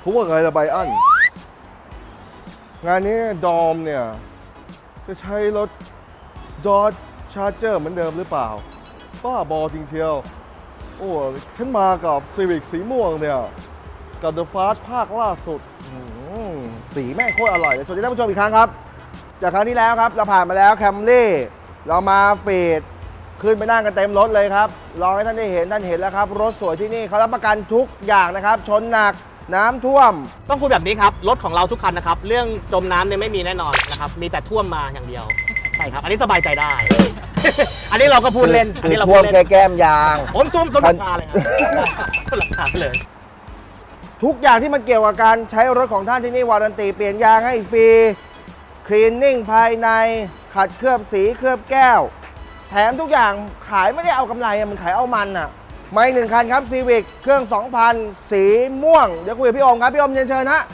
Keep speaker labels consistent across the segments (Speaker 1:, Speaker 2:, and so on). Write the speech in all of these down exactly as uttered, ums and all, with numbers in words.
Speaker 1: เขาว่าไงละไบอันงานนี้ดอมเนี่ยจะใช้รถ Dodge Charger เหมือนเดิมหรือเปล่าบ้าบอจริงเชียวโอ้ฉันมากับ Civic สีม่วงเนี่ยกับ The Fast ภาคล่าสุดสีแม่งโคตรอร่อยเลยสวัสดีท่านผู้ชมอีกครั้งครับจากครั้งที่แล้วครับเราผ่านมาแล้ว Camry เรามาเฟดขึ้นไปนั่งกันเต็มรถเลยครับลองให้ท่านได้เห็นท่านเห็นแล้วครับรถสวยที่นี่เขารับประกันทุกอย่างนะครับชนหนักน้ำท่วม
Speaker 2: ต้องพูดแบบนี้ครับรถของเราทุกคันนะครับเรื่องจมน้ำเนี่ยไม่มีแน่นอนนะครับมีแต่ท่วมมาอย่างเดียวใช่ครับอันนี้สบายใจได้ อันนี้เราก็พูดเล่นอันนี้เราพูดเล่น
Speaker 1: แค่แก้มยาง
Speaker 2: ผมท่วมต้นราคาเลยครับต้นราคาเลย
Speaker 1: ทุกอย่างที่มันเกี่ยวกับการใช้รถของท่านที่นี่วารันตีเปลี่ยนยางให้ฟรีคลีนนิ่งภายในขัดเคลือบสีเคลือบแก้วแถมทุกอย่างขายไม่ได้เอากำไรมันขายเอามันอ่ะไม่หนึ่งคันครับ Civic เครื่อง สองพัน สีม่วงเดี๋ยวคุยกับพี่โอมครับพี่โอมเชิญเชิญฮะ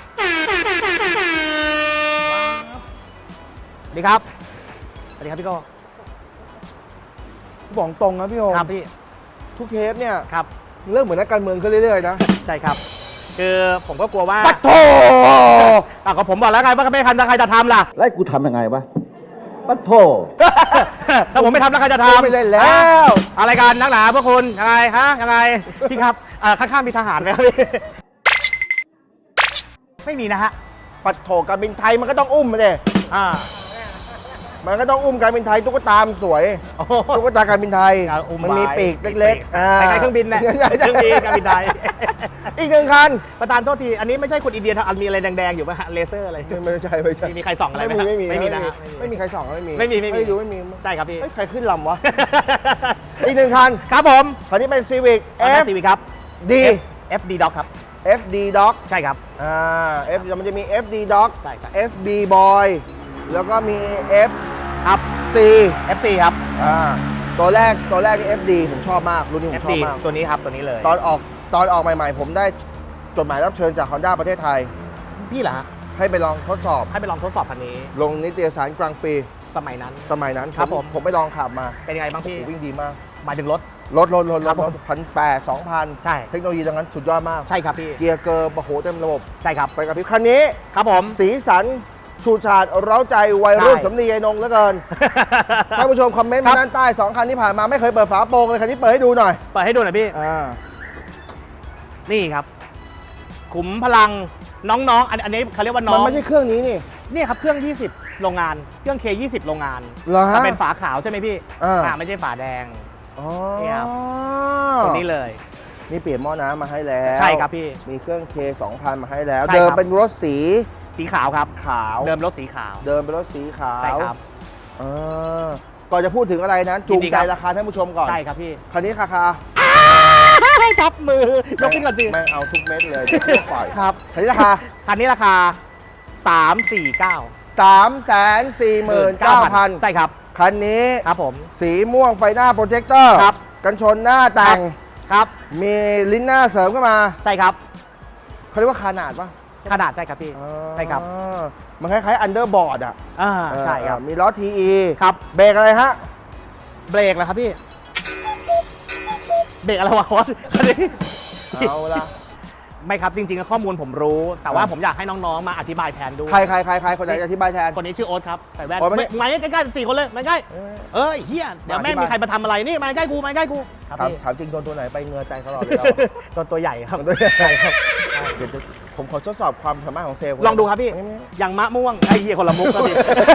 Speaker 2: สวัสดีครับสวัสดีครับพี่โก้
Speaker 1: บอกตรงนะพี่โอม
Speaker 2: ครับพี่
Speaker 1: ทุกเทปเนี่ย
Speaker 2: ครับ
Speaker 1: เริ่มเหมือนนักการเมืองขึ้นเรื่อยๆนะ
Speaker 2: ใช่ครับคือผมก็กลัวว่า
Speaker 1: ปัดโถ
Speaker 2: อ่ะก็ผมบอกแล้วไงว่าไม่ทำแล้วใครจะทำล่ะ
Speaker 3: แล้วกูทำยังไงวะปัดโถ
Speaker 2: ถ้าผมไม่ทำแล้วใครจะทำ
Speaker 1: ไม่เล่นแล้ว
Speaker 2: อะไรกันนักหนาพวกคุณยังไงฮะยังไงพี่ครับข้างๆมีทหารไหมครับพี่ไม่มีนะฮะ
Speaker 1: ปัดโถการบินไทยมันก็ต้องอุ้มมาเลย
Speaker 2: อ่า
Speaker 1: มันก็ต้องอุ้มการบินไทยตุ๊กตาสวยตุ๊กตาการบินไทยมันมีปีกเล็ก
Speaker 2: ๆคล้ายๆเครื่องบินแหละเครื่องบินการบินไทย
Speaker 1: อีกหนึ่งคัน
Speaker 2: ประธานโทษทีอันนี้ไม่ใช่คนอินเดียมีอะไรแดงๆอยู่ไหมฮะเลเซอร์อะไร
Speaker 1: ไม่ใช่ไม่ใช่
Speaker 2: มีใครส่องอะไรไหม
Speaker 1: ไม่มี
Speaker 2: ไม่มีนะ
Speaker 1: ไม่มีใครส่องไม่มี
Speaker 2: ไม่มีไม่มี
Speaker 1: ดูไม่มี
Speaker 2: ใช่ครับพี่
Speaker 1: ใครขึ้นลำวะอีกหนึ่งคัน
Speaker 2: ครับผม
Speaker 1: คันนี้เป็น Civic
Speaker 2: F Civic ครับ
Speaker 1: D
Speaker 2: F D Dog ครับ
Speaker 1: F D Dog
Speaker 2: ใช่ครับ
Speaker 1: อ่า F มันจะมี F D Dog
Speaker 2: ใช่ใช่
Speaker 1: F B Boy แล้วก็มี F
Speaker 2: ครับ
Speaker 1: C
Speaker 2: F C ครับ
Speaker 1: อ่าตัวแรกตัวแรกนี่ F D ผมชอบมากรุ่นนี้ผมชอบมาก
Speaker 2: ตัวนี้ครับตัวนี้เลย
Speaker 1: ตอนออกตอนออกใหม่ๆผมได้จดหมายรับเชิญจาก Honda ประเทศไทย
Speaker 2: พี่เหรอฮะ
Speaker 1: ให้ไปลองทดสอบ
Speaker 2: ให้ไปลองทดสอบคันนี้
Speaker 1: ลงนิตยสารกลางปี
Speaker 2: สมัยนั้น
Speaker 1: สมัยนั้น
Speaker 2: ครับผม
Speaker 1: ผมไปลองขับมา
Speaker 2: เป็นยังไงบ้างพี่
Speaker 1: วิ่งดีมาก
Speaker 2: หมายถึงรถ
Speaker 1: รถรถรถรถพันแปดสองพัน
Speaker 2: ใช่
Speaker 1: เทคโนโลยีตรงนั้นสุดยอดมาก
Speaker 2: ใช่ครับพี่
Speaker 1: เกียร์เกอร์โอ้โหเต็มระบบ
Speaker 2: ใช่ครับ
Speaker 1: ไปกับพี่คันนี้
Speaker 2: ครับผม
Speaker 1: สีสันชูชาดเร้าใจวัยรุ่นสำนียายนงเหลือเกินท่านผู้ชมคอมเมนต์มาด้านใต้สองคันที่ผ่านมาไม่เคยเปิดฝาโปรงเลยคันนี้เปิดให้ดูหน่อย
Speaker 2: เปิดให้ดูหน่อยพี่
Speaker 1: อ่า
Speaker 2: นี่ครับขุมพลังน้องๆอันนี้เขาเรียกว่าน้อง
Speaker 1: มันไม่ใช่เครื่องนี้นี่
Speaker 2: นี่ครับเครื่องยี่สิบโรงงานเครื่อง เค ยี่สิบ โรงงาน
Speaker 1: แต่
Speaker 2: เป็นฝาขาวใช่ไหมพี่อ่าไม่ใช่ฝาแดง
Speaker 1: นี่
Speaker 2: ครับตัวนี้เลย
Speaker 1: นี่เปลี่ยนหม้อน้ำมาให้แล้ว
Speaker 2: ใช่ครับพี่
Speaker 1: มีเครื่อง เค สองพัน มาให้แล้วเดิมเป็นรถสี
Speaker 2: สีขาวครับ
Speaker 1: ขาว
Speaker 2: เดิมรถสีขาว
Speaker 1: เดิมเป็นรถสีขาว
Speaker 2: ใช่ครับ
Speaker 1: ก่อนจะพูดถึงอะไรนั้นจูงใจราคาท่านผู้ชมก่อน
Speaker 2: ใช่ครับพี่
Speaker 1: คันนี้ราคา
Speaker 2: ให้จับมือยกขึ้นก่อนสิ
Speaker 1: ไม่เอาทุกเม็ดเลยปล่อย
Speaker 2: ครับ
Speaker 1: คันนี้ราคา
Speaker 2: คันนี้ราคาสามสี่เก้า
Speaker 1: สามแสนสี่หมื่นเก้าพัน
Speaker 2: ใช่ครับ
Speaker 1: คันนี้
Speaker 2: ครับผม
Speaker 1: สีม่วงไฟหน้าโปรเจคเตอร์
Speaker 2: ครับ
Speaker 1: กันชนหน้าแต่ง
Speaker 2: ครับ
Speaker 1: มีลิ้นหน้าเสริมเข้ามา
Speaker 2: ใช่ครับ
Speaker 1: เขาเรียกว่าขนาดปะ
Speaker 2: ขนาดใช่ครับพี่ใช่ครับ
Speaker 1: มันคล้ายๆอันเดอร์บอร์ดอ่ะ
Speaker 2: อ่าใช่ครับ
Speaker 1: มีล้อ ที อี
Speaker 2: ครับ
Speaker 1: เบรกอะไรฮะ
Speaker 2: เบรกเหรอครับพี่เบรกอะไรวะคันนี้
Speaker 1: เอาละ
Speaker 2: ไม่ครับจริงๆข้อมูลผมรู้แต่ว่าผมอยากให้น้องๆมาอธิบายแทนด้วย
Speaker 1: ใครใครใครใครคนไหนอธิบายแทน
Speaker 2: คนนี้ชื่อโอ๊ตครับใส่แว่นมาใกล้ๆสี่คนเลยมาใกล้เอ้ยเฮียเดี๋ยวแม่มีใครมาทำอะไรนี่มาใกล้กูมาใกล้กู
Speaker 1: ถามจริงโดนตัวไหนไปเงือใจเขาหรอเลย
Speaker 2: โดนตัวใหญ่ครับ
Speaker 1: ตัวใหญ่ครับเดี๋ยวผมขอทดสอบความสามารถของเซลล์
Speaker 2: ลองดูครับพี่อย่างมะม่วงไอ้เหี้ยคนละมุกก็ดี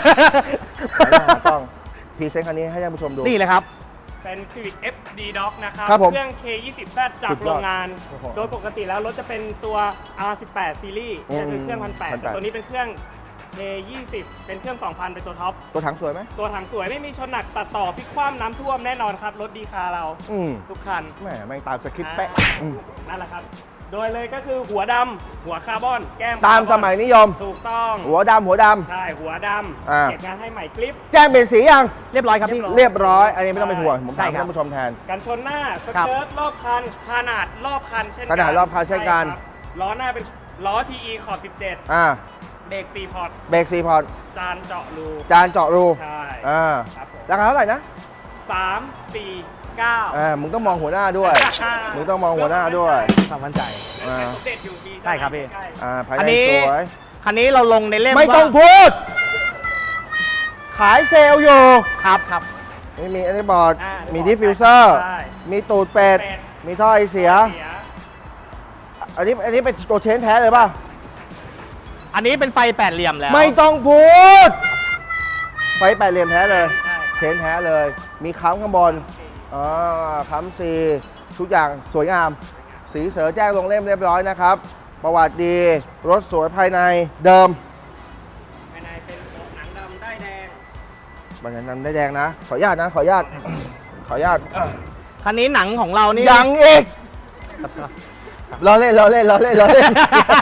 Speaker 1: ต้องพรีเซนต์คันนี้ให้ท่านผู้ชมดู
Speaker 2: นี่เลยครับ
Speaker 4: เป็น Civic เอฟ ดี Dog นะครับ
Speaker 1: เค
Speaker 4: รื่อง เค ยี่สิบ แซด จากโรงงานโดยปกติแล้วรถจะเป็นตัว อาร์ สิบแปด ซีรีส์จะเป็นเครื่อง หนึ่งพันแปดร้อย แต่ตัวนี้เป็นเครื่อง เค ยี่สิบ เป็นเครื่อง สองพัน เป็นตัวท็อป
Speaker 1: ตัวถังสวยไหม
Speaker 4: ตัวถังสวยไม่มีชนหนักตัดต่อพลิกคว่ำน้ำท่วมแน่นอนครับรถดีคาเราทุกคัน
Speaker 1: แหมแม่งตามสคริปต์เป๊ะ
Speaker 4: นั่นแหละครับโดยเลยก็คือหัวดำหัวคาร์บอนแก้ม
Speaker 1: ตามสมัยนิยม
Speaker 4: ถูกต้อง
Speaker 1: หัวดำหัวดำ
Speaker 4: ใช่หัวดำเก็บงานให้ใหม่คลิป
Speaker 1: แจ้งเป็นสียัง
Speaker 2: เรียบร้อยครับพี่
Speaker 1: เรียบร้อยอันนี้ไม่ต้องเป็นห่วงผมถามท่านผู้ชมแทน
Speaker 4: กันชนหน้าสเกิร์ตรอบคันขนาดรอบคันเช่นกัน
Speaker 1: ขนาดรอบคันเช่นกัน
Speaker 4: ล้อหน้าเป็นล้อ ที อี ขอบสิบเจ็ด
Speaker 1: อ่า
Speaker 4: เบรกสี่พอร์ต
Speaker 1: เบรกสี่พอร์ต
Speaker 4: จานเจาะรู
Speaker 1: จานเจาะรู
Speaker 4: ใช่
Speaker 1: อ่าราคาเท่าไหร่นะ
Speaker 4: สาม สี่เก้า
Speaker 1: อ่ามึงต้องมองหัวหน้าด้วยมึงต้องมองหัวหน้าด้วย
Speaker 2: ความมั่นใจ
Speaker 1: อ่า
Speaker 4: สมเด็จอยู่ดี
Speaker 2: ใช่ครับพี่
Speaker 4: ใช่
Speaker 1: อ่าภาย
Speaker 2: อัน
Speaker 1: ใน
Speaker 2: นี้
Speaker 1: สวย
Speaker 2: คันนี้เราลงในเล่ม
Speaker 1: ไม่ต้อง
Speaker 2: ว่า
Speaker 1: พูด ขายเซลล์อยู่
Speaker 2: ครับครับ
Speaker 1: ไม่มีอันนี้บอร์ด
Speaker 4: อ่า
Speaker 1: มีดิฟฟิวเซอร์
Speaker 4: ใช่
Speaker 1: มีตูดเป็ด
Speaker 4: เป็ด
Speaker 1: มีท่อไอเสีย
Speaker 4: เสีย
Speaker 1: อันนี้อันนี้เป็นตัวเชนแท้เลยป่ะ
Speaker 2: อันนี้เป็นไฟแปดเหลี่ยมแล้ว
Speaker 1: ไม่ต้องพูด ไฟแปดเหลี่ยมแท้เลย
Speaker 4: ใช่
Speaker 1: เชนแท้เลย มีค้ำข้างบนอ่าค้ำซีทุกอย่างสวยงาม สีเสือแจ้งลงเล่มเรียบร้อยนะครับ ประวัติดี รถสวยภายในเดิม
Speaker 4: ภายในเป็นหนังดำได้แดง
Speaker 1: บันนั้นได้แดงนะ ขออนุญาตนะ ขออนุญาต ขออนุญาต
Speaker 2: คันนี้หนังของเรานี่
Speaker 1: ยังอีกล้อเล่นล้อเล่นล้อเล่นล้อเล่น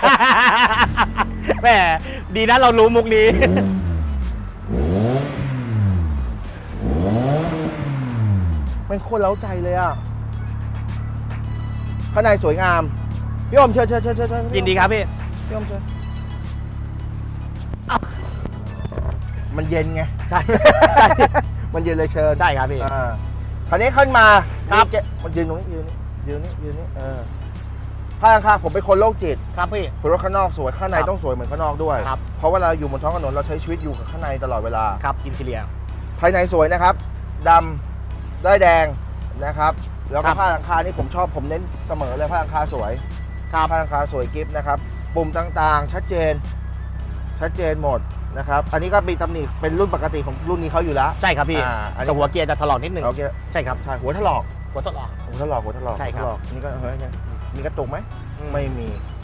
Speaker 2: แหมดีนะเรารู้มุกนี้
Speaker 1: มันโคตรเล้าใจเลยอ่ะ ข้างในสวยงาม พี่อมเชิญเชิญเชิญเชิญเชิญ
Speaker 2: ยินดีครับพี่
Speaker 1: พี่อมเชิญมันเย็นไง
Speaker 2: ใช่
Speaker 1: มันเย็นเลยเชิญ
Speaker 2: ใช่ครับพี่
Speaker 1: อ่าคราวนี้ขึ้นมา
Speaker 2: ครับ
Speaker 1: นี่เจ๊มันยืนตรงนี้ยืนนี่ยืนนี่ยืนนี่เออข้างข้างผมเป็นคนโรคจิต
Speaker 2: ครับพี่
Speaker 1: รถข้างนอกสวยข้างใน
Speaker 2: ครับ
Speaker 1: ต้องสวยเหมือนข้างนอกด้วย
Speaker 2: ครับ
Speaker 1: เพราะเวลาอยู่บนท้องถนนเราใช้ชีวิตอยู่กับข้างในตลอดเวลา
Speaker 2: ครับอินทีเรีย
Speaker 1: ภายในสวยนะครับดำได้แดงนะครับ แล้ว
Speaker 2: ค
Speaker 1: ก็
Speaker 2: รับ
Speaker 1: ผ้าหลังคานี่ผมชอบผมเน้นเสมอเลยผ้าหลังคาสวย
Speaker 2: ครับ
Speaker 1: ผ้าหลังคาสวยกิฟต์นะครับปุ่มต่างๆ ชัดเจน ชัดเจนหมดนะครับ อันนี้ก็มีตำหนิเป็นรุ่นปกติของรุ่นนี้เขาอยู่แล้ว
Speaker 2: ใช่ครับพี่
Speaker 1: อ่าอันนี้
Speaker 2: แต่หัวเกียร์จะถลอกนิดนึง
Speaker 1: โอเค
Speaker 2: ใช่ครับ
Speaker 1: ใช่หัวถลอก
Speaker 2: หัวถลอก
Speaker 1: หัวถลอกหัวถลอก
Speaker 2: ใช่ครับ
Speaker 1: หัวถลอกนี่ก็เฮ้ยยังมีกระตุกไหม
Speaker 2: อืม
Speaker 1: ไม่มี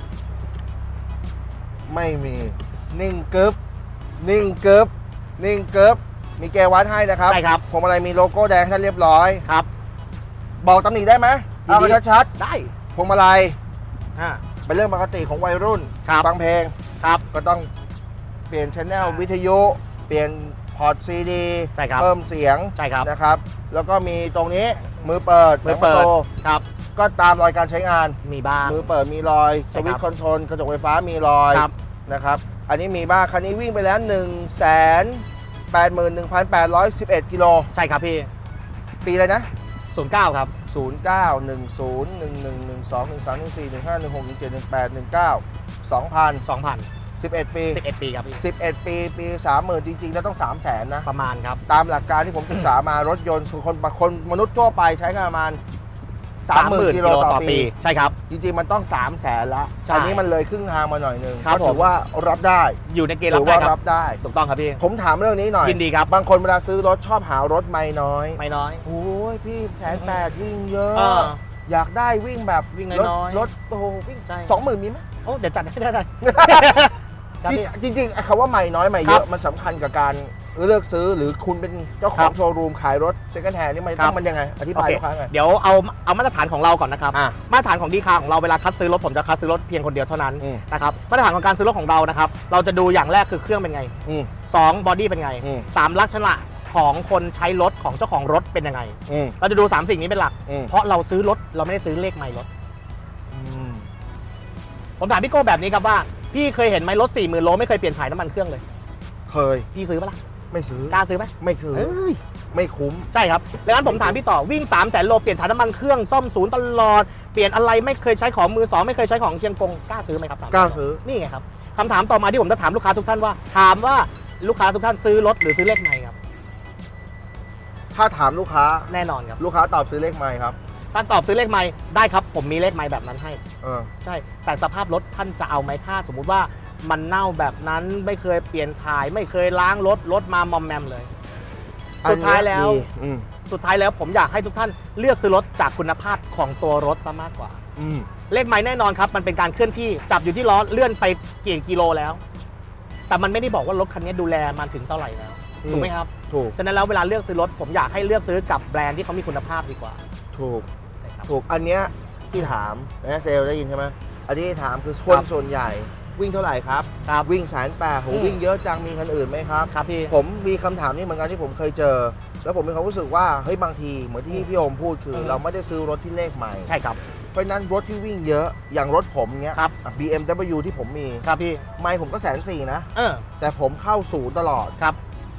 Speaker 1: ไม่มี นิ่งกึ๊บนิ่งกึ๊บนิ่งกึ๊บมีแกวัดให้นะครับ
Speaker 2: ใช่ครับ
Speaker 1: พวงมาลัยมีโลโก้แดงให้ท่านเรียบร้อย
Speaker 2: ครับ
Speaker 1: บอกตำหนิได้ไหม
Speaker 2: ยิน
Speaker 1: เอา
Speaker 2: ดี
Speaker 1: มาชัด
Speaker 2: ได้
Speaker 1: ๆพวงมาลัย
Speaker 2: อ่า
Speaker 1: เป็นเรื่องปกติของวัยรุ่น
Speaker 2: ครับ
Speaker 1: ฟังเพลง
Speaker 2: ครับ
Speaker 1: ก็ต้องเปลี่ยนชแนลวิทยุ เปลี่ยนพอร์ตซีดี
Speaker 2: ใช่ครับ
Speaker 1: เพิ่มเสียง
Speaker 2: ใช่ครับ
Speaker 1: นะครับ แล้วก็มีตรงนี้มือเปิด
Speaker 2: มือเปิด
Speaker 1: หนังประตู
Speaker 2: ครับ
Speaker 1: ก็ตามรอยการใช้งาน
Speaker 2: มีบ้าง
Speaker 1: มือเปิดมีรอย
Speaker 2: ใช่
Speaker 1: ส
Speaker 2: ครับ
Speaker 1: วิตช์คอนโทรลกระจกไฟฟ้ามีรอย
Speaker 2: ครับ
Speaker 1: นะครับ อันนี้มีบ้างคันนี้วิ่งไปแล้ว 1 แสน แปดหมื่นหนึ่งพันแปดร้อยสิบเอ็ด กิโล
Speaker 2: ใช่ครับพี่
Speaker 1: ปีอะไรนะ
Speaker 2: ศูนย์เก้าครับ
Speaker 1: ศูนย์ เก้า หนึ่ง ศูนย์ หนึ่ง หนึ่ง หนึ่ง สอง หนึ่ง สาม หนึ่ง สี่ หนึ่ง ห้า หนึ่ง หก หนึ่ง เจ็ด หนึ่ง แปด หนึ่ง เก้า สองพัน
Speaker 2: สองพัน
Speaker 1: สิบเอ็ด ปี
Speaker 2: สิบเอ็ดปีครับพี่
Speaker 1: สิบเอ็ด ปี ปี สามหมื่น จริง ๆ แล้วต้อง สามแสน นะ
Speaker 2: ประมาณครับ
Speaker 1: ตามหลักการที่ผมศึกษามารถยนต์คนคนมนุษย์ทั่วไปใช้งานประมาณ สามหมื่น กิโลต่อปี
Speaker 2: ใช่ครับ
Speaker 1: จริง ๆ มันต้อง สามแสน ละ
Speaker 2: ใช่
Speaker 1: อันนี้มันเลยครึ่งทางมาหน่อยหนึง
Speaker 2: ครับ
Speaker 1: ก็ถื
Speaker 2: ผ
Speaker 1: อ
Speaker 2: ม
Speaker 1: ว่ารับได้
Speaker 2: อยู่ในเกณฑ์
Speaker 1: ถื
Speaker 2: รับ
Speaker 1: อ
Speaker 2: ได้
Speaker 1: ว่า
Speaker 2: ค
Speaker 1: รั
Speaker 2: รับบ
Speaker 1: ได้
Speaker 2: ถูกต้องครับพี่
Speaker 1: ผมถามเรื่องนี้หน่อย
Speaker 2: ยินดีครับ
Speaker 1: บางคนเวลาซื้อรถชอบหารถไม่น้อย
Speaker 2: ไม่น้อย
Speaker 1: โอ้ยพี่แสนแปดวิ่งเยอะ
Speaker 2: เออ
Speaker 1: อยากได้วิ่งแบบ
Speaker 2: วิ่ง
Speaker 1: รถ
Speaker 2: น้อยๆ
Speaker 1: รถโอ้โหวิ่ง
Speaker 2: ใช่
Speaker 1: สองหมื่นมีไหม
Speaker 2: โอ้เดี๋ยวจัดให้ได้ได้ ครับพี่
Speaker 1: จริงจริงๆไอ้คำว่าใหม่น้อยใหม่เย
Speaker 2: ครั
Speaker 1: อะ
Speaker 2: บ
Speaker 1: มันสำคัญกับการเลือกซื้อหรือคุณเป็นเจ้าข
Speaker 2: ครั
Speaker 1: อง
Speaker 2: บ
Speaker 1: โชว์รูมขายรถเซ็ก o n d แ a นนี่มัน
Speaker 2: ครั
Speaker 1: ต้
Speaker 2: บ
Speaker 1: องมันยังไง อธิ
Speaker 2: โอบ
Speaker 1: าย
Speaker 2: เค
Speaker 1: ลูกค้าไง
Speaker 2: เดี๋ยวเอาเอามาตรฐานของเราก่อนนะครับ
Speaker 1: อ่ะ
Speaker 2: มาตรฐานของดีคาของเราเวลาคัดซื้อรถผมจะคัดซื้อรถเพียงคนเดียวเท่านั้น
Speaker 1: อืม
Speaker 2: นะครับมาตรฐานของการซื้อรถของเรานะครับเราจะดูอย่างแรกคือเครื่องเป็นไง
Speaker 1: อืม
Speaker 2: สองบอดี้เป็นไง
Speaker 1: อืม
Speaker 2: สามลักษณะของคนใช้รถของเจ้าของรถเป็นยังไง
Speaker 1: อืม
Speaker 2: เราจะดูสามสิ่งนี้เป็นหลัก
Speaker 1: อืม
Speaker 2: เพราะเราซื้อรถเราไม่ได้ซื้อเลขไมล์รถ
Speaker 1: อืม
Speaker 2: ผมถามพี่โก้แบบนี้ครับว่าพี่เคยเห็นไหมรถสี่หมื่นโลไม่เคยเปลี่ยนถ่ายน้ำมันเครื่องเลย
Speaker 1: เคย
Speaker 2: พี่ซื้อปะล่ะ
Speaker 1: ไม่ซื้อก
Speaker 2: ล้าซื้อไหม
Speaker 1: ไม่เคย
Speaker 2: เอ้ย
Speaker 1: ไม่คุ้ม
Speaker 2: ใช่ครับดังนั้นผมถามพี่ต่อวิ่ง3 0 0 0 0 0โลเปลี่ยนถ่ายน้ำมันเครื่องซ่อมศูนย์ตลอดเปลี่ยนอะไรไม่เคยใช้ของมือสองไม่เคยใช้ของเชียงกงกล้าซื้อไหมครับสม
Speaker 1: กล้าซื้อ
Speaker 2: นี่ไงครับคำถามต่อมาที่ผมจะถามลูกค้าทุกท่านว่า ถามว่าลูกค้าทุกท่านซื้อรถหรือซื้อเลขไมล์ครับ
Speaker 1: ถ้าถามลูกค้า
Speaker 2: แน่นอนครับ
Speaker 1: ลูกค้าตอบซื้อเลขไม่ครับ
Speaker 2: ท่านตอบซื้อเลขไมล์ได้ครับผมมีเลขไมล์แบบนั้นให้
Speaker 1: เออ
Speaker 2: ใช่ แต่สภาพรถท่านจะเอาไหมถ้าสมมุติว่ามันเน่าแบบนั้นไม่เคยเปลี่ยนถ่าย ไม่เคยล้างรถรถมามอมแมมเลย สุดท้ายแล้ว
Speaker 1: อันนี้ดีอืม
Speaker 2: สุดท้ายแล้วผมอยากให้ทุกท่านเลือกซื้อรถจากคุณภาพของตัวรถซะมากกว่า
Speaker 1: อืม
Speaker 2: เลขไมล์แน่นอนครับ มันเป็นการเคลื่อนที่จับอยู่ที่ล้อเลื่อนไปกี่กิโลแล้ว แต่มันไม่ได้บอกว่ารถคันนี้ดูแลมันถึงเท่าไหร่แล้ว
Speaker 1: อืม
Speaker 2: ถูกไหมครับ
Speaker 1: ถูก
Speaker 2: ฉะนั้นแล้วเวลาเลือกซื้อรถผมอยากให้เลือกซื้อกับแบรนด์ที่เขามีคุณภาพดีกว่า
Speaker 1: ถูก
Speaker 2: ใช่ครับ
Speaker 1: ถูก อันเนี้ยที่ถามนะเซลล์ได้ยินใช่ไหมอันนี้ถามคือคน
Speaker 2: ครับ
Speaker 1: ส่วนใหญ่วิ่งเท่าไหร่ครับ
Speaker 2: ครับ
Speaker 1: วิ่งแสนแปดโห
Speaker 2: อืม
Speaker 1: วิ่งเยอะจังมีคันอื่นไหมครับ
Speaker 2: ครับพี่
Speaker 1: ผมมีคำถามนี้เหมือนกันที่ผมเคยเจอ แล้วผมมีความรู้สึกว่าเฮ้ยบางทีเหมือนที่พี่โอมพูดคือ
Speaker 2: อืม
Speaker 1: เราไม่ได้ซื้อรถที่เลขใหม่
Speaker 2: ใช่ครับ
Speaker 1: เพราะฉะนั้นรถที่วิ่งเยอะอย่างรถผมเนี้ย
Speaker 2: ครับ
Speaker 1: อ่ะ บี เอ็ม ดับเบิลยู ที่ผมมี
Speaker 2: ครับพี่
Speaker 1: ไม่ผมก็แสนสี่นะ
Speaker 2: เออ
Speaker 1: แต่ผมเข้าศูนย์ตลอด
Speaker 2: ครับ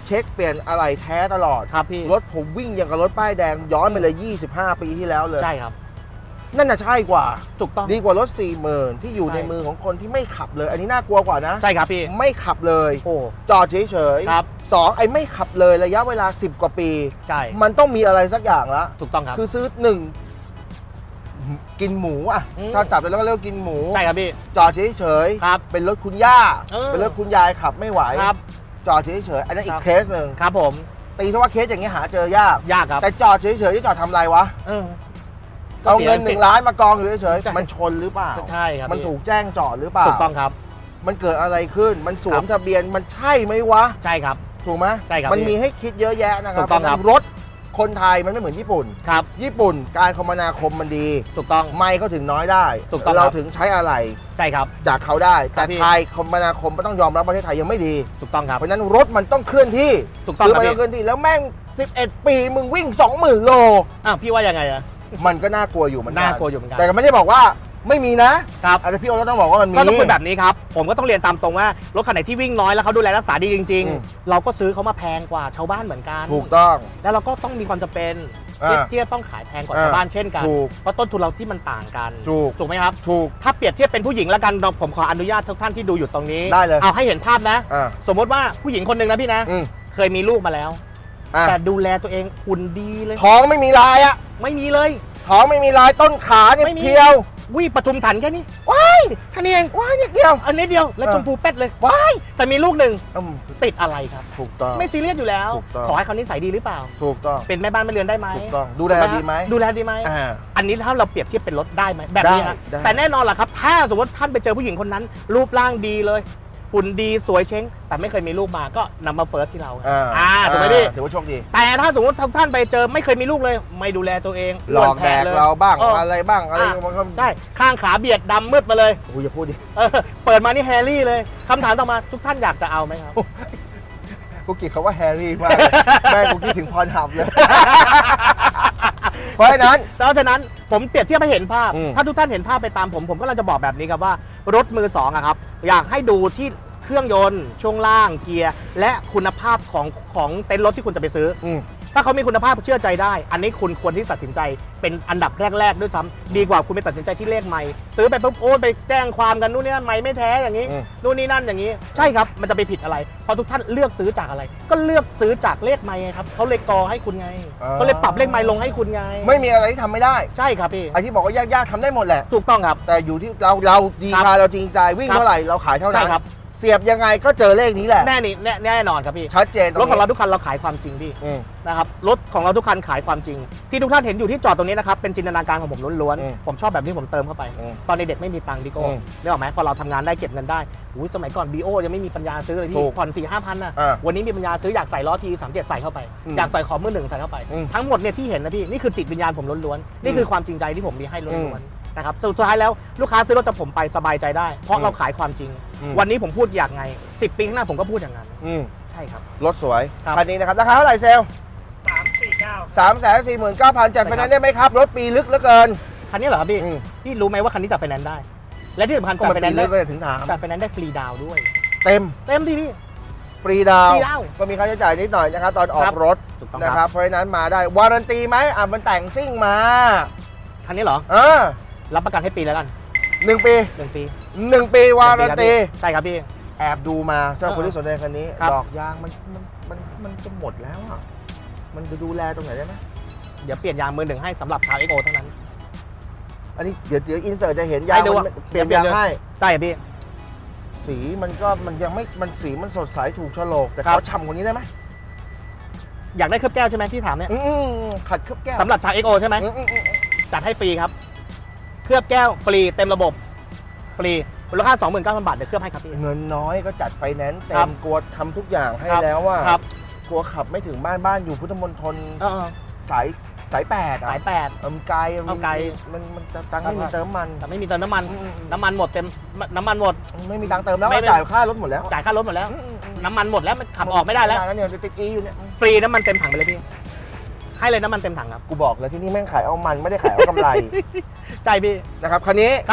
Speaker 1: เช็คเปลี่ยนอะไรแท้ตลอด
Speaker 2: ครับพี่
Speaker 1: รถผมวิ่งอย่างกับรถป้ายแดงย้อนไปเลย ยี่สิบห้า ปีที่แล้วเลย
Speaker 2: ใช่ครับ
Speaker 1: นั่นน่ะใช่กว่า
Speaker 2: ถูกต้อง
Speaker 1: ดีกว่ารถ สี่หมื่น ที่อยู่
Speaker 2: ใช่
Speaker 1: ในมือของคนที่ไม่ขับเลย อันนี้น่ากลัวกว่านะ
Speaker 2: ใช่ครับพี่
Speaker 1: ไม่ขับเลย
Speaker 2: โอ้
Speaker 1: จอดเฉยๆ
Speaker 2: ครับ
Speaker 1: สองไอ้ไม่ขับเลยระยะเวลา สิบ กว่าปี
Speaker 2: ใช่
Speaker 1: มันต้องมีอะไรสักอย่างละ
Speaker 2: ถูกต้องครับ
Speaker 1: คือซื้อหนึ่งกินหมูอ่ะ
Speaker 2: อืม
Speaker 1: ถ้าสับแล้วก็เรียกว่ากินหมู
Speaker 2: ใช่ครับพี่
Speaker 1: จอดเฉย
Speaker 2: ครับ
Speaker 1: เป็นรถคุณย่า
Speaker 2: เออ
Speaker 1: เป็นรถคุณยายขับไม่ไหว
Speaker 2: ครับ
Speaker 1: จอดเฉยๆ อันนั้นอี
Speaker 2: ครั
Speaker 1: ก
Speaker 2: บ
Speaker 1: เคสหนึ่ง
Speaker 2: ครับผม
Speaker 1: ตีซะว่าเคสอย่างเงี้ยหาเจอยาก
Speaker 2: ยากครับ
Speaker 1: แต่จอดเฉยๆที่จอดทำอะไรวะ
Speaker 2: เออ
Speaker 1: เอาเงินหนึ่งล้านมากองอยู่เฉย
Speaker 2: ใช่
Speaker 1: ๆ มันชนหรือเปล่า
Speaker 2: ใช่ครับ
Speaker 1: มัน
Speaker 2: พี่
Speaker 1: ถูกแจ้งจอดหรือเปล่า
Speaker 2: ถูกต้องครับ
Speaker 1: มันเกิดอะไรขึ้น มันสวมทะเบียน มันใช่ไหมวะ
Speaker 2: ใช่ครับ
Speaker 1: ถูกไหม
Speaker 2: ใช่ครับ
Speaker 1: มัน
Speaker 2: พี่
Speaker 1: มีให้คิดเยอะแยะนะครั
Speaker 2: ถูกต้องครับ
Speaker 1: รถคนไทยมันไม่เหมือนญี่ปุ่น
Speaker 2: ครับ
Speaker 1: ญี่ปุ่นการคมนาคมมันดี
Speaker 2: ถูกต้อง
Speaker 1: ไม่เขาถึงน้อยได้
Speaker 2: ถูกต้องครับ
Speaker 1: เราถึงใช้อะไร
Speaker 2: ใช่ครับ
Speaker 1: จากเขาได้ แต่
Speaker 2: พี่
Speaker 1: ไทยคมนาคมก็ต้องยอมรับประเทศไทยยังไม่ดี
Speaker 2: ถูกต้องครับ
Speaker 1: เพราะฉะนั้นรถมันต้องเคลื่อนที่
Speaker 2: ถูกต้อง
Speaker 1: ซื้อ
Speaker 2: ครับ
Speaker 1: มา
Speaker 2: พี่
Speaker 1: ต้องเคลื่อนที่แล้วแม่ง สิบเอ็ด ปีมึงวิ่ง สองหมื่น โล
Speaker 2: อ้าวพี่ว่ายังไงอะ
Speaker 1: มันก็น่ากลัวอยู่เหมือนกัน
Speaker 2: น่ากลัวอยู่เหมือนกัน
Speaker 1: แต่ก็ไม่ได้บอกว่าไม่มีนะครับ อาจจะพี่โอ๊ตก็ต้องบอกว่ามันมี
Speaker 2: ก็ต้องคุยแบบนี้ครับ ผมก็ต้องเรียนตามตรงว่ารถคันไหนที่วิ่งน้อยแล้วเขาดูแลรักษาดีจริง
Speaker 1: อืม
Speaker 2: ๆ เราก็ซื้อเขามาแพงกว่าชาวบ้านเหมือนกัน
Speaker 1: ถูกต้อง
Speaker 2: แล้วเราก็ต้องมีความจำเป็น
Speaker 1: อ่า
Speaker 2: ที่จะต้องขายแพงกว่า
Speaker 1: อ่า
Speaker 2: ชาวบ้านเช่นกัน
Speaker 1: ถูก
Speaker 2: เพราะต้นทุนเราที่มันต่างกัน
Speaker 1: ถูก
Speaker 2: ถูกไหมครับ
Speaker 1: ถูก
Speaker 2: ถ้าเปรียบเทียบเป็นผู้หญิงแล้วกันเราผมขออนุญาตทุกท่านที่ดูอยู่ตรงนี้
Speaker 1: ได้เลย
Speaker 2: เอาให้เห็นภาพนะ
Speaker 1: อ่า
Speaker 2: สมมติว่าผู้หญิงคนหนึ่งนะพี่นะ
Speaker 1: อืม
Speaker 2: เคยมีลูกมาแล้ว
Speaker 1: อ่ะ
Speaker 2: แต่ดูแลตัวเองหุ่นดีเลย
Speaker 1: ท้องไม่มีลายอะ
Speaker 2: ไม่มีเลย
Speaker 1: ท้องไม่มีลายต้นขาเนี่ย
Speaker 2: ไม่มี
Speaker 1: เพียว
Speaker 2: วิปทุมถันแค่นี้
Speaker 1: ว้าย
Speaker 2: แค่นี้เอง
Speaker 1: ว้ายนิดเดียว
Speaker 2: อันนี้เดียวแล้ว
Speaker 1: เออ
Speaker 2: ชมพูเป็ดเลย
Speaker 1: ว้าย
Speaker 2: แต่มีลูกหนึ่ง
Speaker 1: อืม
Speaker 2: ติดอะไรครับ
Speaker 1: ถูกต้อง
Speaker 2: ไม่ซีเรียสอยู่แล้ว
Speaker 1: ถูกต้อง
Speaker 2: ขอให้เขานิสัยดีหรือเปล่า
Speaker 1: ถูกต้อง
Speaker 2: เป็นแม่บ้านแม่เรือนได้ไหม
Speaker 1: ถูกต้องดูแลดีไหม
Speaker 2: ดูแลดีไหม
Speaker 1: อ่า
Speaker 2: อันนี้ถ้าเราเปรียบเทียบเป็นรถได้ไหมแบบนี้ครับ
Speaker 1: ได้ได้
Speaker 2: แต่แน่นอนแหละครับ ถ้าสมมติท่านไปเจอผู้หญิงคนนั้น รูปร่างดีเลยหุ่นดีสวยเช้ง แต่ไม่เคยมีลูกมาก็นำมาเฟิร์สที่เรา
Speaker 1: อ่า
Speaker 2: อ่าถูกไหมพี่
Speaker 1: ถือว่าโชคดี
Speaker 2: แต่ถ้าสมมติท่านไปเจอไม่เคยมีลูกเลย ไม่ดูแลตัวเอง
Speaker 1: หลอกแดกเราบ้าง
Speaker 2: เอออ
Speaker 1: อะไรบ้างอะไร
Speaker 2: อ่ะ
Speaker 1: มันก็
Speaker 2: ใช่ข้างขาเบียดดำมืดมาเลย
Speaker 1: โอ้ยอย่าพูดดิ
Speaker 2: เออเปิดมานี่แฮร์รี่เลยคำถามต่อมาทุกท่านอยากจะเอาไหมครับ
Speaker 1: กูคิดเขาว่าแฮร์รี่มากเลยแม่กูคิดถึงพรหับเลย เพราะฉะนั้น
Speaker 2: เพราะฉะนั้นผมเปรียบเทียบให้เห็นภาพ
Speaker 1: อืม
Speaker 2: ถ้าทุกท่านเห็นภาพไปตามผมผมก็เลยจะบอกแบบนี้ครับว่ารถมือสองอะครับอยากให้ดูที่เครื่องยนต์ช่วงล่างเกียร์และคุณภาพของของเต็นท์รถที่คุณจะไปซื้อ
Speaker 1: อืม
Speaker 2: ถ้าเขามีคุณภาพเชื่อใจได้ อันนี้คุณควรที่ตัดสินใจเป็นอันดับแรก ๆ ด้วยซ้ำดีกว่าคุณไปตัดสินใจที่เลขไม่ซื้อไปปุ๊บโอ้ยไปแจ้งความกันนู่นนี่นั่นไม่ไม่แท้อย่างนี้
Speaker 1: อืม
Speaker 2: นู่นนี่นั่นอย่างนี้ ใช่ครับมันจะไปผิดอะไรเพราะทุกท่านเลือกซื้อจากอะไร ก็เลือกซื้อจากเลขไม่ไงครับเขาเลยกอให้คุณไงเขาเลยปรับเลขไม่ลงให้คุณไง
Speaker 1: ไม่มีอะไรที่ทำไม่ได้
Speaker 2: ใช่ครับพี่
Speaker 1: ไอ้ที่บอกว่ายากๆทำได้หมดแหละ
Speaker 2: ถูกต้องครับ
Speaker 1: แต่อยู่ที่เราเราดี
Speaker 2: ครับ
Speaker 1: พาเราจริงใจวิ่ง
Speaker 2: ครับ
Speaker 1: เท่าไหร่เราขายเท่านั้
Speaker 2: ใช่
Speaker 1: น
Speaker 2: ครับ
Speaker 1: เสียบยังไงก็เจอเลขนี้แหละ
Speaker 2: แน่นี่แน่แน่นอนครับพี่
Speaker 1: ชัดเจนตรง
Speaker 2: รถของเรา
Speaker 1: นี้
Speaker 2: ทุกคันเราขายความจริงพี่
Speaker 1: อืม
Speaker 2: นะครับรถของเราทุกคันขายความจริง ที่ทุกท่านเห็นอยู่ที่จอดตรงนี้นะครับเป็นจินตนาการของผมล้วน
Speaker 1: อืม
Speaker 2: ๆผมชอบแบบนี้ผมเติมเข้าไป
Speaker 1: อืม
Speaker 2: ตอนเด็กๆไม่มีตังค์พี่โก้
Speaker 1: อืม
Speaker 2: นึกออกไหมพอเราทำงานได้เก็บเงินได้อุ้ยสมัยก่อนบีโอยังไม่มีปัญญาซื้อเลย
Speaker 1: ถู
Speaker 2: พี่
Speaker 1: ก
Speaker 2: ผ่อนสี่ห้าพันนะ
Speaker 1: อ่า
Speaker 2: วันนี้มีปัญญาซื้ออยากใส่ล้อทีสามเจ็ดใส่เข้าไป
Speaker 1: อืม
Speaker 2: อยากใส่ขอบมือหนึ่งใส่เข้าไป
Speaker 1: อืม
Speaker 2: ทั้งหมดเนี่ยที่เห็นนะพี่นี่คือจิตวิญญาณผมล้วนๆนี่คือความจริงใจที่ผมมีให้
Speaker 1: อื
Speaker 2: ล้วน
Speaker 1: ม
Speaker 2: ๆนะครับสุดท้ายแล้วลูกค้าซื้อรถจากผมไปสบายใจได้ เพราะ
Speaker 1: อืม
Speaker 2: เราขายความจริง
Speaker 1: อืม
Speaker 2: วันนี้ผมพูดอย่างไงสิบปีข้างหน้าผมก็พูดอย่างนั้น
Speaker 1: อืม
Speaker 2: ใช่ครับ
Speaker 1: รถสวย
Speaker 2: ครับ
Speaker 1: คันนี้นะครับราคาเท่าไหร่เซลล์
Speaker 4: สามสี่เก้า
Speaker 1: สามแสนสี่หมื่นเก้าพันจัดไฟแนนซ์ได้ไหมครับ รถปีลึกเหลือเกิน
Speaker 2: คันนี้เหรอครับพี่
Speaker 1: อืม
Speaker 2: พี่รู้ไหมว่าคันนี้จัดไฟแนนซ์ได้ และที่สำคัญ
Speaker 1: ก็
Speaker 2: จัด
Speaker 1: มัน
Speaker 2: ไฟแน
Speaker 1: ปี
Speaker 2: นซ์
Speaker 1: ลึ
Speaker 2: ได้
Speaker 1: กก็จะถึงถาม
Speaker 2: จัดไฟแนนซ์ได้ฟรีดาวน์ด้วย
Speaker 1: เต็ม
Speaker 2: เต็มที่พี่
Speaker 1: ฟรีดาว
Speaker 2: ฟรีดาวน์
Speaker 1: ก็มีค่าใช้จ่ายนิดหน่อยนะครับตอนออ
Speaker 2: ครั
Speaker 1: ก
Speaker 2: บ
Speaker 1: รถ
Speaker 2: ถูกต้อง
Speaker 1: นะค
Speaker 2: ค
Speaker 1: รั
Speaker 2: รั
Speaker 1: บบ เพราะฉะนั้นมาได้วารันตีไหมอ่ะมันแต่งซิ่งมา
Speaker 2: คันนี้เหรอ
Speaker 1: เออ
Speaker 2: รับประกันให้ปีแล้วกัน
Speaker 1: หนึ่งปี
Speaker 2: หนึ่งปี
Speaker 1: หนึ่งปีวารันตี
Speaker 2: ใช่ครับพี่
Speaker 1: แอบดูมาสำหรับ
Speaker 2: เออ
Speaker 1: คนที่สนใจคันนี้
Speaker 2: ครับ
Speaker 1: ดอกยางมันมันมันมันจะหมดแล้วอ่ะมันจะดูแลตรงไหนได้ไหม
Speaker 2: เดี๋ยวเปลี่ยนยางมือหนึ่งให้สำหรับชาวเอ็กโอเท่านั้น
Speaker 1: อันนี้เดี๋ยวเดี๋ยวอินเสิร์ตจะเห็นยาง
Speaker 2: ให้ดู
Speaker 1: มัน
Speaker 2: ว่า
Speaker 1: เปลี่ยน
Speaker 2: เดี๋ย
Speaker 1: ยาว ง
Speaker 2: เปลี่ยน
Speaker 1: ให้
Speaker 2: ใช่ครับพี่
Speaker 1: สีมันก็มันยังไม่มันสีมันสดใสถูกโฉลกแต่
Speaker 2: ครั
Speaker 1: เขา
Speaker 2: บ
Speaker 1: ฉ่ำกว่านี้ได้ไหม
Speaker 2: อยากได้เคลือบแก้วใช่ไหมที่ถามเนี่ย
Speaker 1: อืมขัดเคลือบแก้ว
Speaker 2: สำหรับชาวเอ็กโอใช่ไหม
Speaker 1: อืมอืมอืม
Speaker 2: จัดให้ฟรีครับ เคลือบแก้วฟรีเต็มระบบ ฟรีมูลค่า สองหมื่นเก้าพัน บาทเดี๋ยวเคลือบให้ครับพี่
Speaker 1: เงินน้อยก็จัดไฟแนนซ์เต็
Speaker 2: ครั
Speaker 1: ม
Speaker 2: บ
Speaker 1: กลัวทำทุกอย่างให้
Speaker 2: ครับ
Speaker 1: แล้วว่า
Speaker 2: ครับ
Speaker 1: กลัวขับไม่ถึงบ้านบ้านอยู่พุทธมณฑล
Speaker 2: เออ
Speaker 1: สายสายแปดอ่ะ
Speaker 2: สายแปด
Speaker 1: เออมันไกลอะ
Speaker 2: เอาไกล
Speaker 1: มันมันจะตังค์ไม่
Speaker 2: ค
Speaker 1: มี
Speaker 2: รับ
Speaker 1: เติมมัน
Speaker 2: แต่ไม่มีเติมน้ำมัน
Speaker 1: อืมอืม
Speaker 2: น้ำมันหมดเต็ม น้ำมันหมด
Speaker 1: ไม่มีตังค์เติมแล้ว
Speaker 2: ไม่ไม่
Speaker 1: จ่ายค่ารถหมดแล้ว
Speaker 2: จ่ายค่ารถหมดแล้ว
Speaker 1: อืมอืมอืม
Speaker 2: น้ำมันหมดแล้วมันขับออกไม่ได้แล้ว
Speaker 1: เนี่ยติดอีอยู่เนี่ย
Speaker 2: ฟรีน้ำมันเต็มถังไปเลยพี่ ให้เลยน้ำมันเต็มถังครับ
Speaker 1: กูบอกเลยที่นี่แม่งขายเอามันไม่ได้ขายเอากำไร
Speaker 2: ใช่พี่
Speaker 1: นะครับคันนี้
Speaker 2: ครับ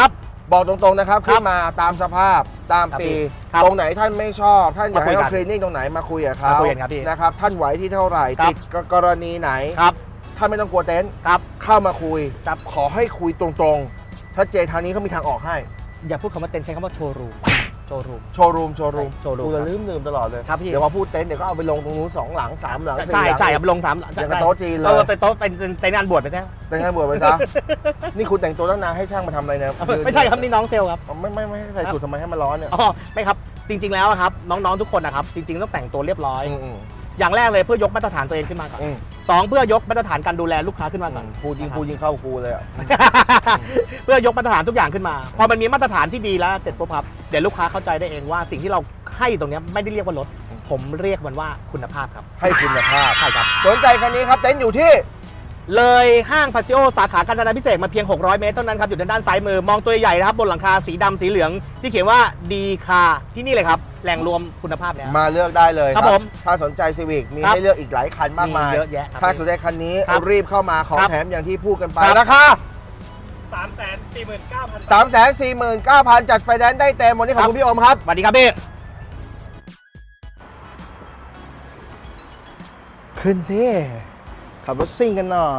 Speaker 1: บอกตรงๆนะครับ
Speaker 2: ครับ
Speaker 1: ขึ้นมาตามสภาพตามปี
Speaker 2: ครับ
Speaker 1: ตรงไหนท่านไม่ชอบ ท่านอยากให้
Speaker 2: มาคุยกั
Speaker 1: เขา
Speaker 2: น
Speaker 1: คลีนนิ่งตรงไหนมาคุยกับเขา
Speaker 2: มาคุยกันครับพี่
Speaker 1: นะครับท่านไหวที่เท่าไหร่
Speaker 2: ครับ
Speaker 1: ติดกรณีไหน
Speaker 2: ครับ
Speaker 1: ท่านไม่ต้องกลัวเต็นท์
Speaker 2: ครับ
Speaker 1: เข้ามาคุยขอให้คุยตรงๆชัดเจนทางนี้เขามีทางออกให้
Speaker 2: อย่าพูดคำว่าเต็นท์ใช้คำว่าโชว์รูมโชว์รูม
Speaker 1: โชว์รูมโชว์รูม
Speaker 2: โชว์รูม
Speaker 1: กูจะลืมลืมตลอดเลย
Speaker 2: ครับพี่
Speaker 1: เดี๋ยวมาพูดเต็นท์เดี๋ยวก็เอาไปลงตรงนู้นสองหลังสามหลังสี่
Speaker 2: ใช่
Speaker 1: หลัง
Speaker 2: ใช่ครับลงสามหลัง
Speaker 1: อย่างกับโต๊ะจีนเลย
Speaker 2: ออเป็นโต๊ะเป็นเป็นงานบวชไปใช่ไหม
Speaker 1: เป็นไงบวชไปซะ นี่คุณแต่งตัวตั้งนานให้ช่างมาทำอะไรเนี่ย
Speaker 2: ไม่ใช่ครับนี่น้องเซลล์ครับ
Speaker 1: ไม่ไม่ไม่ให้ใส่สูททำไมให้มันร้อนเนี่ย
Speaker 2: อ๋อไม่ครับจริง ๆแล้วครับน้องๆทุกคนนะครับจริงๆต้องแต่งตัวเรียบร้อย
Speaker 1: อืมอืม
Speaker 2: อย่างแรกเลยเพื่อยกมาตรฐานตัวเองขึ้นมาก่อน
Speaker 1: อืม
Speaker 2: สองเพื่อยกมาตรฐานการดูแลลูกค้าขึ้นมาก่อน
Speaker 1: พูดยิงพูดยิงเข้ากูเลยอ่ะ
Speaker 2: เพื่อยกมาตรฐานทุกอย่างขึ้นมา พอมันมีมาตรฐานที่ดีแล้วเสร็จปุ๊บครับเดี๋ยวลูกค้าเข้าใจได้เองว่าสิ่งที่เราให้ตรงเนี้ยไม่ได้เรียกว่ารถผมเรียกมันว่าคุณภาพครับ
Speaker 1: ให้คุณภาพ
Speaker 2: ใช่ครับ
Speaker 1: สนใจคันนี้ครับเต็นท์อยู่ที่
Speaker 2: เลยห้างพาซิโอสาขากาญจนาพิเศษกมาเพียงหกร้อยเมตรเท่านั้นครับอยู่ด้านซ้ายมือมองตัวใหญ่นะครับบนหลังคาสีดำสีเหลืองที่เขียนว่าดีคาที่นี่เลยครับแหล่งรวมคุณภาพแล้ว
Speaker 1: มาเลือกได้เลย
Speaker 2: ครับผม
Speaker 1: ถ้าสนใจซีวิกมี
Speaker 2: ครับ
Speaker 1: ให้เลือกอีกหลายคันมากมาย
Speaker 2: มีเยอะแยะครับ
Speaker 1: ถ้าสนใจคันนี้
Speaker 2: ครับ
Speaker 1: รีบเข้ามาของ
Speaker 2: ครับ
Speaker 1: แถมอย่างที่พูดกันไป
Speaker 2: ครับ
Speaker 1: ราคา
Speaker 4: สามแสนสี่หมื่นเก้าพัน
Speaker 1: สามแสนสี่หมื่นเก้าพันจัดไฟแนนซ์ได้เต็มวันนี้ขอบคุณพี่โอมครับ
Speaker 2: สวัสดีครับพี่
Speaker 1: ขึ้นสิขับรถซิ่งกันหน่อย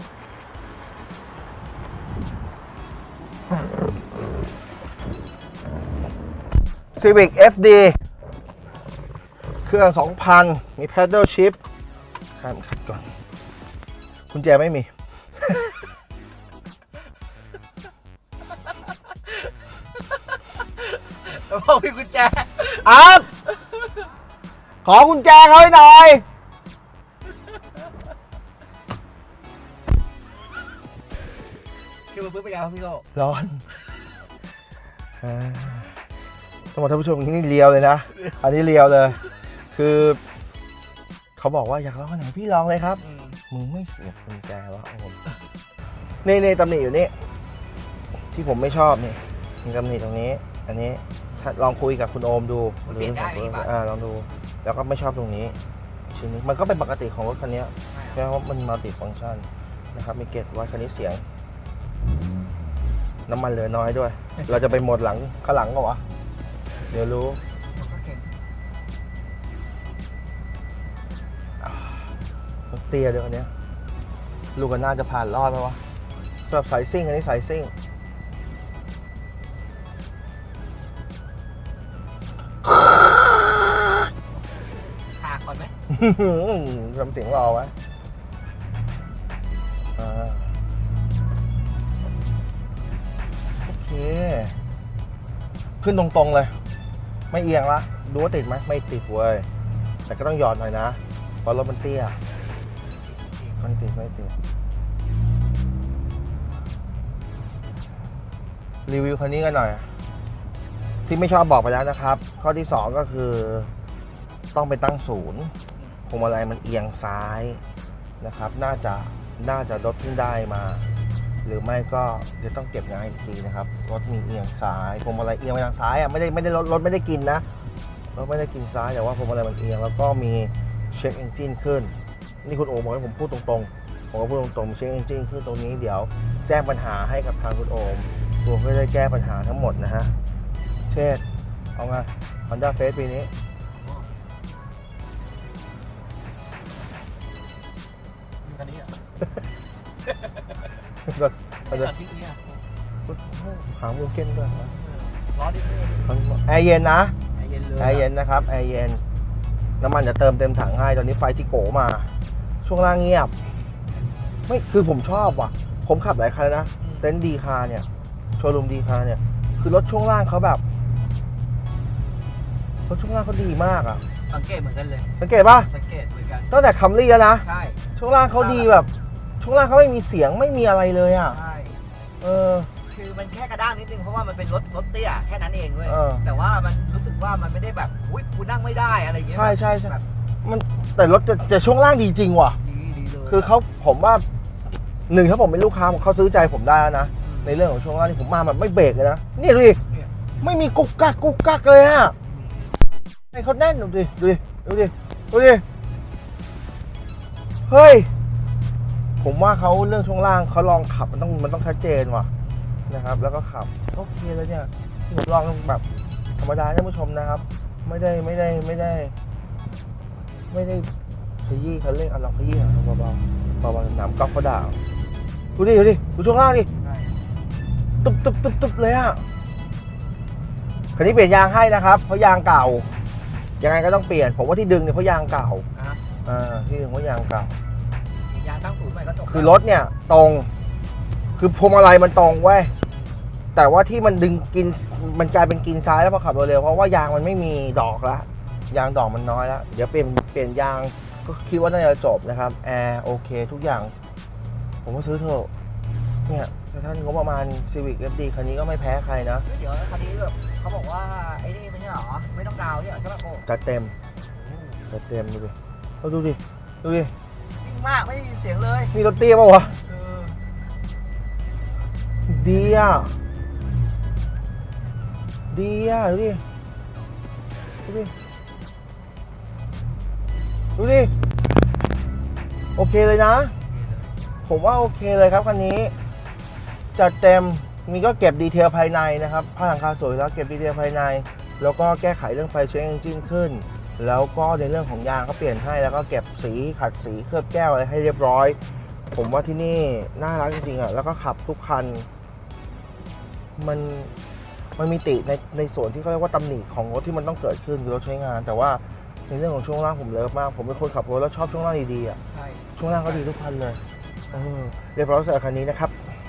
Speaker 1: Civic เอฟ ดี เครื่อง สองพัน มี Paddle Shift ข้ามขัดก่อนกุญแจไม่มี
Speaker 2: บอกพี่กุญแจ
Speaker 1: อัพขอกุญแจเขาให้หน่อย
Speaker 2: คือมาพื้นไปแล้วพี่โก้
Speaker 1: ร้อนอ่าสมมติท่านผู้ชมนี่เลียวเลยนะ อันนี้เลียวเลย คือ เขาบอกว่าอยากลองอันไหนพี่ลองเลยครับมึงไม่เสียบกุญแจวะโอ้โหนี่นี่ตำหนิอยู่นี่ ที่ผมไม่ชอบนี่มีตำหนิตรงนี้ อันนี้ถ้าลองคุยกับคุณโอมดูหรืออ่าลองดู แล้วก็ไม่ชอบตรงนี้ชิ้นนี้มันก็เป็นปกติของรถคันนี้แค่ว่ามันมัลติฟังก์ชันนะครับ มีเกจวัดคันนี้เสียง น้ำมันเหลือน้อยด้วย เราจะไปหมดหลังข้างหลังก็วะ เดี๋ยวรู้รถเตี้ยด้วยคันนี้ลูกกันน่าจะผ่านรอดไหมวะสำหรับสายซิ่งอันนี้สายซิ่ง
Speaker 2: หากก่อนไหม
Speaker 1: ทำเสียงรอไว้อ่าโอเค ขึ้นตรงๆเลย ไม่เอียงละ ดูว่าติดไหมไม่ติดเว้ย แต่ก็ต้องหย่อนหน่อยนะ เพราะรถมันเตี้ย ไม่ติด ไม่ติด รีวิวคันนี้กันหน่อย ที่ไม่ชอบบอกไปแล้วนะครับ ข้อที่สองก็คือ ต้องไปตั้งศูนย์พวงมาลัยมันเอียงซ้ายนะครับ น่าจะน่าจะรถเพิ่งได้มา หรือไม่ก็เดี๋ยวต้องเก็บงานอีกทีนะครับรถมีเอียงซ้ายพวงมาลัยเอียงไปทางซ้ายอ่ะไม่ได้ไม่ได้รถรถไม่ได้กินนะรถไม่ได้กินซ้ายแต่ว่าพวงมาลัยมันเอียงแล้วก็มีเช็คเอนจินขึ้นนี่คุณโอบอกให้ผมพูดตรงๆผมก็พูดตรงๆเช็คเอนจินขึ้นตรงนี้เดี๋ยวแจ้งปัญหาให้กับทางคุณโอมตัวก็ได้แก้ปัญหาทั้งหมดนะฮะเช่นเอาไง Honda Face ปีนี้ก็ก็จะหางมูเก้นด้วยนะ
Speaker 2: ร้อนนิดนึง
Speaker 1: แอร์เย็นนะ
Speaker 2: แอร์เย็นเลย
Speaker 1: แอร์เย็นนะครับแอร์เย็นน้ำมันจะเติมเต็มถังให้ตอนนี้ไฟที่โกมา ช่วงล่างเงียบ ไม่คือผมชอบว่ะ ผมขับหลายคันแล้วนะ เต็นท์ดีคาเนี่ย โชว์รูมดีคาเนี่ย คือรถช่วงล่างเขาแบบรถช่วงล่างเขาดีมากอ่ะ
Speaker 2: สังเกตเหมือนกันเลย
Speaker 1: สังเกตป่ะ
Speaker 2: สังเกตเหมือนกัน
Speaker 1: ตั้งแต่คัมรี่แล้วนะ
Speaker 2: ใช่
Speaker 1: ช่วงล่างเขาดีแบบ ช่วงล่างเขาไม่มีเสียงไม่มีอะไรเลยอ่ะ
Speaker 2: ใช่
Speaker 1: เออ
Speaker 5: คือมันแค่กระด้างนิดนึงเพราะว่ามันเป็นรถรถเตี้ยแค่นั้นเองเว้ย
Speaker 1: เออ
Speaker 5: แต่ว่ามันรู้สึกว่ามันไม่ได้แบบอุ้ยกูนั่งไม่ได้อะไรอย่างเงี้ย
Speaker 1: ใช่ใช่ใช่
Speaker 5: แบบ
Speaker 1: มันแต่รถจะจะช่วงล่างดีจริงว่ะ
Speaker 5: ดีดีเลย
Speaker 1: คือเขาผมว่าหนึ่งถ้าผมเป็นลูกค้าเขาซื้อใจผมได้แล้วนะ ในเรื่องของช่วงล่างที่ผมมาแบบไม่เบรกเลยนะนี่ดูดิไม่มีกุกกักกุกกักเลยอะให้เขาแน่นดูดิดูดิดูดิดูดิเฮ้ยผมว่าเขาเรื่องช่วงล่างเขาลองขับมันต้องมันต้องชัดเจนว่ะ
Speaker 6: นะครับ แล้วก็ขับโอเคเลยเนี่ยที่ผมลองแบบธรรมดาท่านผู้ชมนะครับ ไม่ได้ไม่ได้ไม่ได้ ไม่ได้ขยี้คันเร่งอ่ะลองขยี้หน่อยเบาๆเบาๆหนามก๊อฟเขาด่าดูดิดูดิดูช่วงล่างดิตุ๊บตุ๊บตุ๊บตุ๊บเลยอ่ะคันนี้เปลี่ยนยางให้นะครับเพราะยางเก่ายังไงก็ต้องเปลี่ยนผมว่าที่ดึงเนี่ยเพราะยางเก่า
Speaker 5: อ่ะ
Speaker 6: อ่าที่ดึงเพราะยางเก่า
Speaker 5: ยางตั้งศูนย์ใหม่ก็จบ
Speaker 6: คือรถเนี่ยตรง คือพวงมาลัยมันตรงเว้ย แต่ว่าที่มันดึงกิน มันกลายเป็นกินซ้ายแล้วพอขับเร็วๆเพราะว่ายางมันไม่มีดอกละ ยางดอกมันน้อยแล้ว เดี๋ยวเปลี่ยนเปลี่ยนยางก็คิดว่าน่าจะจบนะครับ แอร์โอเคทุกอย่าง ผมก็ซื้อเถอะ เนี่ยถ้าท่านงบประมาณ Civic เอฟ ดี คันนี้ก็ไม่แพ้ใครนะ
Speaker 5: เดี๋ยวคันนี้แบบเขาบอกว่าไอ้นี่ไม่ใช่เหรอ ไม่ต้องดาวน์เนี่ยใช่ป่ะโก้
Speaker 6: จัดเต็ม จัดเต็มดูดิเราดูดิ ดูดิ
Speaker 5: นิ่งมากไม่ได้ยินเสียงเลย
Speaker 6: มีรถเตี้ยป่าวะ
Speaker 5: เออ
Speaker 6: ดีอ่ะ ดีอ่ะ ดูดิ ดูดิ ดูดิ โอเคเลยนะ ผมว่าโอเคเลยครับคันนี้ จัดเต็ม มีก็เก็บดีเทลภายในนะครับผ้าหลังคาสวยแล้วเก็บดีเทลภายใน แล้วก็แก้ไขเรื่องไฟเช็คเอนจินขึ้น แล้วก็ในเรื่องของยางก็เปลี่ยนให้ แล้วก็เก็บสีขัดสีเคลือบแก้วอะไรให้เรียบร้อย ผมว่าที่นี่น่ารักจริงๆอ่ะ แล้วก็ขับทุกคัน มันมันมีติในในส่วนที่เขาเรียกว่าตำหนิของรถที่มันต้องเกิดขึ้นคือรถใช้งาน แต่ว่าในเรื่องของช่วงล่างผมเลิฟมาก ผมเป็นคนขับรถแล้วชอบช่วงล่างดีๆอ่ะ
Speaker 5: ใช่
Speaker 6: ช่วงล่างก็ดีทุกคันเลยเออเรียบร้อยสำหรับคันนี้นะครับ